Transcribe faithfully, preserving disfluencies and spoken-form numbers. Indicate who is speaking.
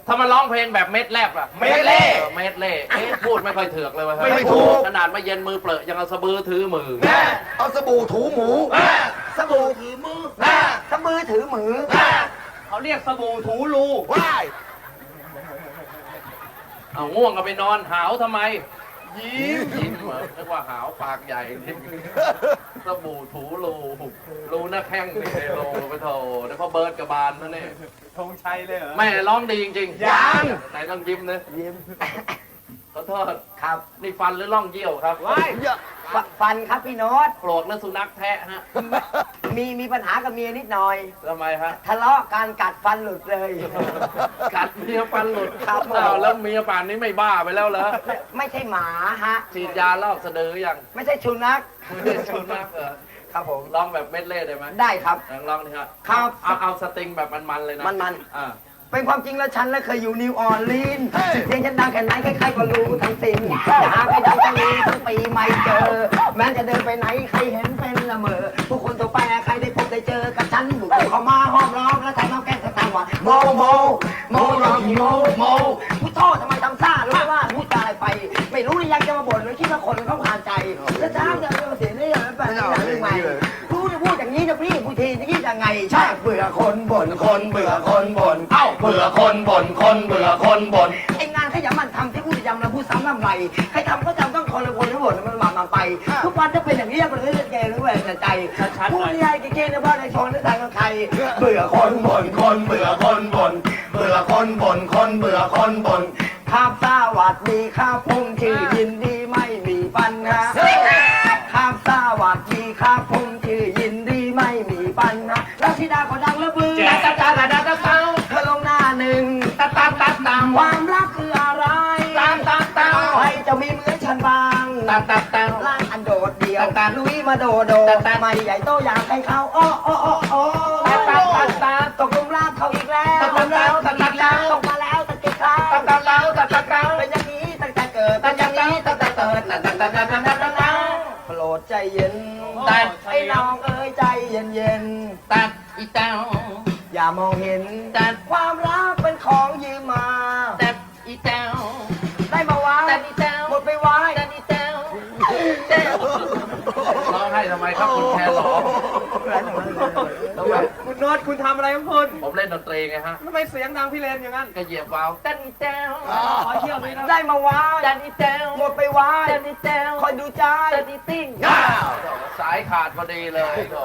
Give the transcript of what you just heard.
Speaker 1: ถ้ามาร้องเพลงแบบเม็ดแลบอะ
Speaker 2: เม็ดเล่
Speaker 1: ออเม็ดเล่เอ๊ะพูดไม่ค่อยเถือกเลยว่ะ
Speaker 2: ไม่ถูก
Speaker 1: ขนาดมาเย็นมือเปลอะยังเอาสะบือถือมือ
Speaker 2: แม่เอาสบู่ถูหมู
Speaker 3: สบู่ถือมือสมือถือมือ
Speaker 4: เขาเรียกสบู่ถูรู
Speaker 2: ว้าย
Speaker 1: เอาง่วงก็ไปนอนหาวทำไม
Speaker 2: ยิ้ม
Speaker 1: ยิ้มเหรอนึกว่าหาวปากใหญ่สบู่ถูรูรูหน้าแข้งนี่เลยรูไปโถเดี๋ยวพ่อเบิร์ดกับบานนั่นนี่
Speaker 4: ธงชัยเลยเหรอ
Speaker 1: แม่ร้องดีจริงๆ
Speaker 2: ยัง
Speaker 1: ไหนต้องยิ้มนะ
Speaker 3: ยิ้ม
Speaker 1: ขอโทษ
Speaker 3: ครับ
Speaker 1: นี่ฟันหรือร่องเยี่ยวครับ
Speaker 4: ว้าย
Speaker 2: เยอะ
Speaker 3: ฟฟันครับพี่โน้ต
Speaker 1: โกรธแล้วสุนัขแทะฮะ
Speaker 3: มีมีปัญหากับเมียนิดหน่อย
Speaker 1: ทำไมฮะ
Speaker 3: ทะเลาะการกัดฟันหลุดเลย
Speaker 1: กัดเมียฟันหลุด
Speaker 3: ครับ
Speaker 1: อ้าวแล้วเมียป่านนี้ไม่บ้าไปแล้วเหรอ
Speaker 3: ไม่ไม่ใช่หมาฮะ
Speaker 1: ฉีดยาลอกสะดือยัง
Speaker 3: ไม่ใช่ชุนัก
Speaker 1: ไม่ได้ชนมากเหรอ
Speaker 3: ครับผม
Speaker 1: ร้องแบบเม็ดเล่ได้ไหม
Speaker 3: ได้ครับ
Speaker 1: ลองร้องดิฮะ
Speaker 3: ครับ
Speaker 1: เอาเอาสตริงแบบมันๆเลยนะ
Speaker 3: มัน
Speaker 1: อ่า
Speaker 3: เป็นความจริงแล้วฉันและเคยอยู่นิวออร์ลีนส์เพียงฉันดังแค่ไหนใครๆก็รู้ทั้งสิ้นจะหาใครดังทั้งนี้ทั้งปีไม่เจอ แม้จะเดินไปไหนใครเห็นเป็นละเมอผู้คนทั่วไปใครได้พบได้เจอกับฉันบุกเข้ามาห้อมล้อมและใส่น้ำแกงสตางค์ว่าโมโมโมโมโมโมผู้โทษทำไมทำซ่ารู้ไหมว่าพูดอะไรไป ไม่รู้หรือยังจะมาบ่นหรือคิดว่าคนเขาผ่านใจแล้วช้าจะเรื่องเสียได้ยังไงเรื่องใหม่พูดพูดอย่างนี้นะพี่พูดทีจะคิดยังไงใช่เบื่อคนบ่นคนเบื่อคนบ่น
Speaker 1: เอ้าเบื่อคนบ่นคนเบื่อคนบ่น
Speaker 3: ไอ้งานขยันมันทำที่พูดย้ำแล้วพูดซ้ำลำไรใครทำก็จำต้องคนละคนทั้งหมดมันมามาไป ทุกวันจะเป็นอย่างนี้มันก็จะเกย์หรือว่าจะใจพูดใหญ่เกย์ในบ้านในชนในใจกับใครเบื่อคนบ่นคนเบื่อคนบ่นเบื่อคนบ่นคนเบื่อคนบ่นครับสวัสดีครับผมชื่อยินดีไม่มีปัญหาครับสวัสดีครับผมชื่อยินดีไม่มีปัญหาแล้วธิดาก็ดังระเบือ
Speaker 1: ตาตาตาตาตาตา
Speaker 3: เธอลงหน้าหนึ่ง
Speaker 1: ตาตาตาตา
Speaker 3: ความรักคืออะไร
Speaker 1: ตาตาตา
Speaker 3: ใครจะมีเหมือนฉันบ้าง
Speaker 1: ตาตาตา
Speaker 3: ร่างอันโดดเดี่ยวลุยมาโดโดไม่ใหญ่โตอยากให้เขาอ้ออ้ออ้ออ้อ
Speaker 1: ตาตาตาตา
Speaker 3: ตกหลุมรักเขาอีกแล้ว
Speaker 1: ตกหลุมรักตกหลุมรัก
Speaker 3: ตกมาแล้วตะกี้ครั้ง
Speaker 1: ตาตาตาตาตาตา
Speaker 3: เป็นอย่างนี้ตั้งแต่เกิดเป็นอย่างนี้ตั้งแต่เกิด
Speaker 1: ตาตาตาตาตาตาตา
Speaker 3: โปรดใจเย็น
Speaker 1: ตัด
Speaker 3: ไอ้น้องเอ้ยใจเย็นเย็น
Speaker 1: ตัดอีเต้า
Speaker 3: อย่ามองเห็น
Speaker 1: ตัด
Speaker 3: ความรักเป็นของยืมมา
Speaker 1: ตัดอีเต้า
Speaker 3: ได้มาไว้
Speaker 1: ตัดอีเต้า
Speaker 3: หมดไปไว้
Speaker 1: ตัดอีเต้าเต้าร้องให้ทำไมครับคุณแครอทำไม
Speaker 4: คุณโน้ตคุณทำอะไรของคุณ
Speaker 1: ผมเล่นดนตรีไงฮะ
Speaker 4: ทำไมเสียงดังพี่เลนอย่างนั้น
Speaker 1: ก็เหยียบวาล์วตัดอีเต้า
Speaker 4: ขอเที่ยวเลยนะ
Speaker 3: ได้มาไว้
Speaker 1: ตัดอีเต้า
Speaker 3: หมดไปไว้
Speaker 1: ตัดอีเต้า
Speaker 3: คอยดูใจ
Speaker 1: ตัดอีติ้งสายขาดพอดีเลยโถ่